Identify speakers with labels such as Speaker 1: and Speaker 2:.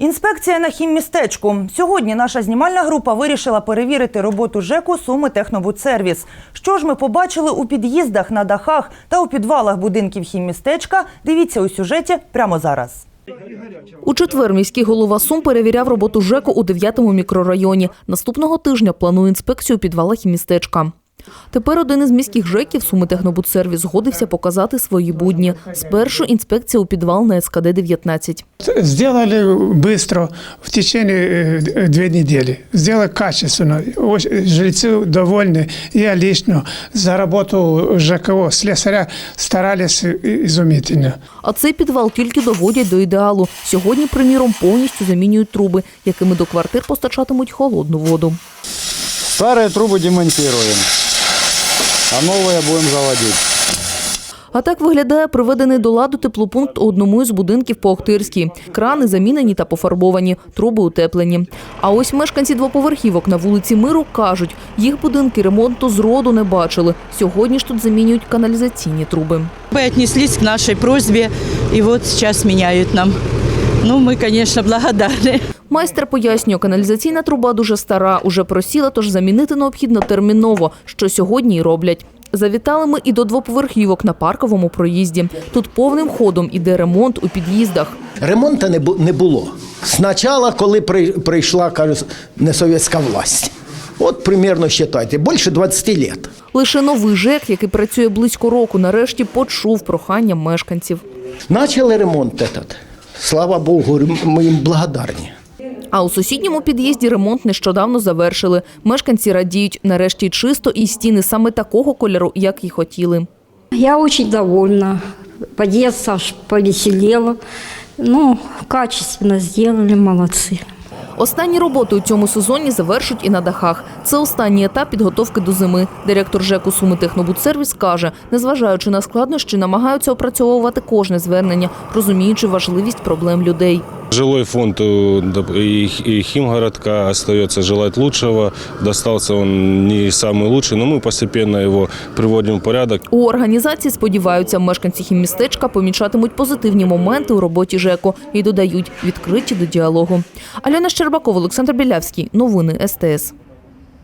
Speaker 1: Інспекція на хіммістечку. Сьогодні наша знімальна група вирішила перевірити роботу ЖЕКу «Сумитехнобудсервіс». Що ж ми побачили у під'їздах, на дахах та у підвалах будинків хіммістечка, дивіться у сюжеті прямо зараз.
Speaker 2: У четвер міський голова Сум перевіряв роботу ЖЕКу у 9-му мікрорайоні. Наступного тижня планує інспекцію у підвалах хіммістечка. Тепер один із міських ЖЕКів «Сумитехнобудсервіс» згодився показати свої будні. Спершу інспекція у підвал на СКД-19.
Speaker 3: Сделали быстро, в течение 2 недели. Сделали качественно. Жильцы довольны. Я лично за работу ЖКО, слесаря старались изумительно.
Speaker 2: А цей підвал тільки доводять до ідеалу. Сьогодні, приміром, повністю замінюють труби, якими до квартир постачатимуть холодну воду.
Speaker 4: Старые трубы демонтируем, а новые будем заводить.
Speaker 2: А так виглядає приведений до ладу теплопункт у одному із будинків по Охтирській. Крани замінені та пофарбовані, труби утеплені. А ось мешканці двоповерхівок на вулиці Миру кажуть, їх будинки ремонту зроду не бачили. Сьогодні ж тут замінюють каналізаційні труби.
Speaker 5: Мы отнеслись к нашей просьбе, и вот сейчас меняют нам. Ну, мы, конечно, благодарны.
Speaker 2: Майстер пояснює, каналізаційна труба дуже стара, уже просіла, тож замінити необхідно терміново, що сьогодні й роблять. Завітали ми і до двоповерхівок на Парковому проїзді. Тут повним ходом іде ремонт у під'їздах.
Speaker 6: Ремонту не було. Спочатку, коли прийшла, кажуть, несовєтська власть. От, примерно, вважайте, більше 20 років.
Speaker 2: Лише новий ЖЕК, який працює близько року, нарешті почув прохання мешканців.
Speaker 6: Почали ремонт этот. Слава Богу, ми їм благодарні.
Speaker 2: А у сусідньому під'їзді ремонт нещодавно завершили. Мешканці радіють, нарешті чисто і стіни саме такого кольору, як і хотіли.
Speaker 7: Я очень довольна. Подъезд аж повеселело. Ну, качественно сделали, молодцы.
Speaker 2: Останні роботи у цьому сезоні завершать і на дахах. Це останній етап підготовки до зими. Директор ЖЕКу «Сумитехнобудсервіс» каже, незважаючи на складнощі, намагаються опрацьовувати кожне звернення, розуміючи важливість проблем людей.
Speaker 8: Жилой фонд и Химгородка остается желать лучшего. Достался он не самый лучший, но мы постепенно его приводим в порядок.
Speaker 2: У організації сподіваються, мешканці хіммістечка помічатимуть позитивні моменти у роботі ЖЕКу і додають, відкриті до діалогу. Альона Щербакова, Олександр Білявський. Новини СТС.